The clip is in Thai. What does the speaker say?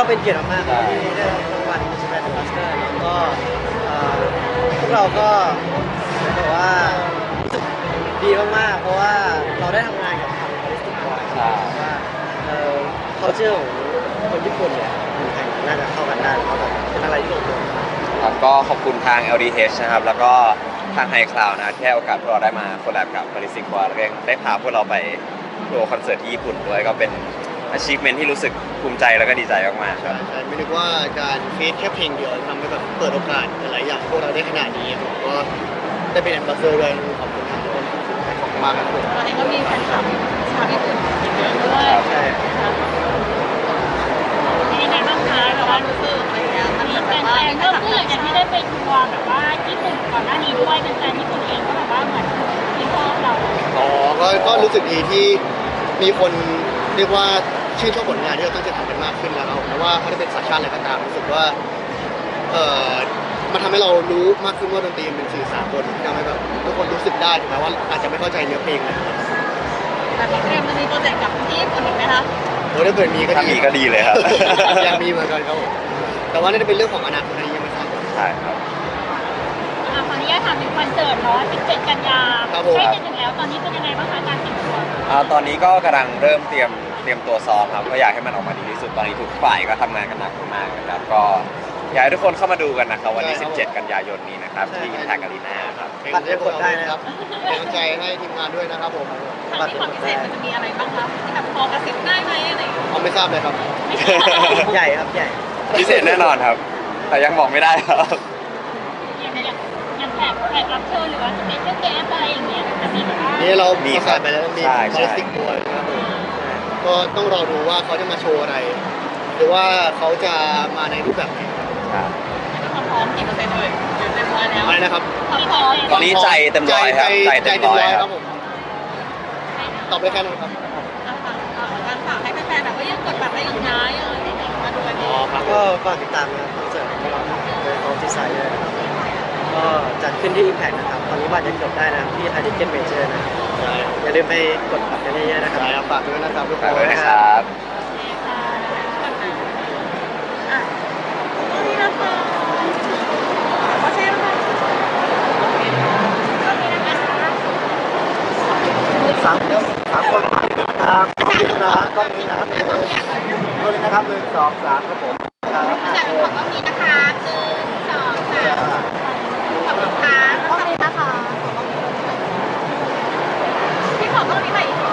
เป็นเกียรติมากๆครับที่ได้รับรางวัลสแปนบัสเตอร์แล้วก็พวกเราก็แบบว่ารู้สึกดีมากๆเพราะว่าเราได้ทำงานกับทางบริษัทบ่อยว่าculture ของคนญี่ปุ่นเนี่ยคนไทยน่าจะเข้ากันได้แล้วก็แบบเป็นอะไรที่ลงตัวครับก็ขอบคุณทาง LDH นะครับแล้วก็ทาง High Cloud นะที่ให้โอกาสพวกเราได้มาโคแลบกับบริษัทแล้วก็ได้พาพวกเราไปทัวร์คอนเสิร์ตที่ญี่ปุ่นด้วยก็เป็น achievement ที่รู้สึกภูมิใจแล้วก็ดีใจมากๆครับใช่ไม่นึกว่าการฟีดแค่เพลงเดียวทำให้แบบเปิดโอกาสหลายอย่างพวกเราได้ขนาดนี้ผมก็ได้เป็นแอมบาสเดอร์ด้วยขอบคุณทุกคนขอบคุณมากครับผมตอนนี้ก็มีแฟนคลับชาวญี่ปุ่นเยอะด้วยใช่เป็นยังไงบ้างคะแบบว่ารู้สึกอะไรอย่างเงี้ยมันแบบว่าเริ่มขึ้นหลังจากที่ได้ไปทัวร์แบบว่าญี่ปุ่นก่อนหน้านี้ด้วยเป็นแฟนญี่ปุ่นเองก็แบบว่าเหมือนที่ชอบเราอ๋อก็รู้สึกดีที่มีคนเรียกว่าชื่นชอบผลงานที่เราตั้งใจทำกันมากขึ้นแล้วครับไม่ว่าเขาจะเป็นสัญชาติอะไรก็ตามรู้สึกว่ามันทำให้เรารู้มากขึ้นว่าดนตรีมันเป็นสื่อสารคนที่ทำให้แบบทุกคนรู้สึกได้ถึงแม้ว่าอาจจะไม่เข้าใจเนื้อเพลงนะครับแบบนี้เตรียมจะมีโปรเจกต์กับที่ญี่ปุ่นอีกไหมคะโอ้ถ้าเกิดมีก็ถ้ามีก็ดีเลยครับอยากมีเหมือนกันครับผมแต่ว่าน่าจะเป็นเรื่องของอนาคตอันนี้ยังไม่ทราบใช่ครับขออนุญาตถามถึงคอนเสิร์ตเนาะ17 กันยาครับผมใกล้จะถึงแล้วตอนนี้เป็นยังไงบ้างคะการเตรียมตัวตอนนี้ก็กำลังเริ่มเตรียมตัวซ้อมครับก็อยากให้มันออกมาดีที่สุดตอนนี้ทุกฝ่ายก็ทำงานกันหนักมากนะครับก็อยากให้ทุกคนเข้ามาดูกันนะครับวันที่ 17 กันยายนนี้นะครับที่ Impact Arena ครับบัตรได้กดได้นะครับเป็นกำลังใจให้ทีมงานด้วยนะครับผมครั้งนี้ความพิเศษมันจะมีอะไรบ้างคะที่แบบพอกระซิบได้ไหมอะไรอย่างเงี้ยเอาไม่ทราบเลยครับไม่ใช่ใหญ่ครับใหญ่พิเศษแน่นอนครับ แต่ยังบอกไม่ได้ครับอย่างแขกรับเชิญหรือว่าสเปเชียลเกสอะไรอย่างเงี้ยจะมีแบบว่านี่เรามีประครักาบศไปแล้วมีใช่คอลสติกบอยนะครับผมก็ต้องรอดูว่าเขาจะมาโชว์อะไร หรือว่าเขาจะมาในรูปแบบไหนครับความพร้อมกี่เปอร์เซ็นต์เลยเต็มร้อยแล้วอะไรนะครับความพร้อมตอนนี้ใจเต็มร้อยครับใจเต็มร้อยครับผมตอบไปแค่นั้นครับการฝากให้แฟนๆแบบว่ายังกดบัตรได้อีกนะยังมาดูกันดีครับก็ฝากติดตามนะครับคอนเสิร์ตของเราโดยเขาที่ไซด์ด้วยนะครับก็จัดขึ้นที่ Impact นะครับตอนนี้บัตรยังกดได้นะครับที่ Ticket Major นะครับใช่อย่าลืมไปกดบัตรกันเยอะๆนะครับใช่ครับฝากด้วยนะครับทุกคฝากนด้วยนะครับนี่นะคะขอเชิญค่ะก็มีนะคะสามคนครับก็มีนะครับก็มีนะครับ1 2 3ครับผมครับจากของก็มีนะคะ1 2 3ขอบคุณค่ะก็มีนะคะพี่ขอก็มีใหม่อีก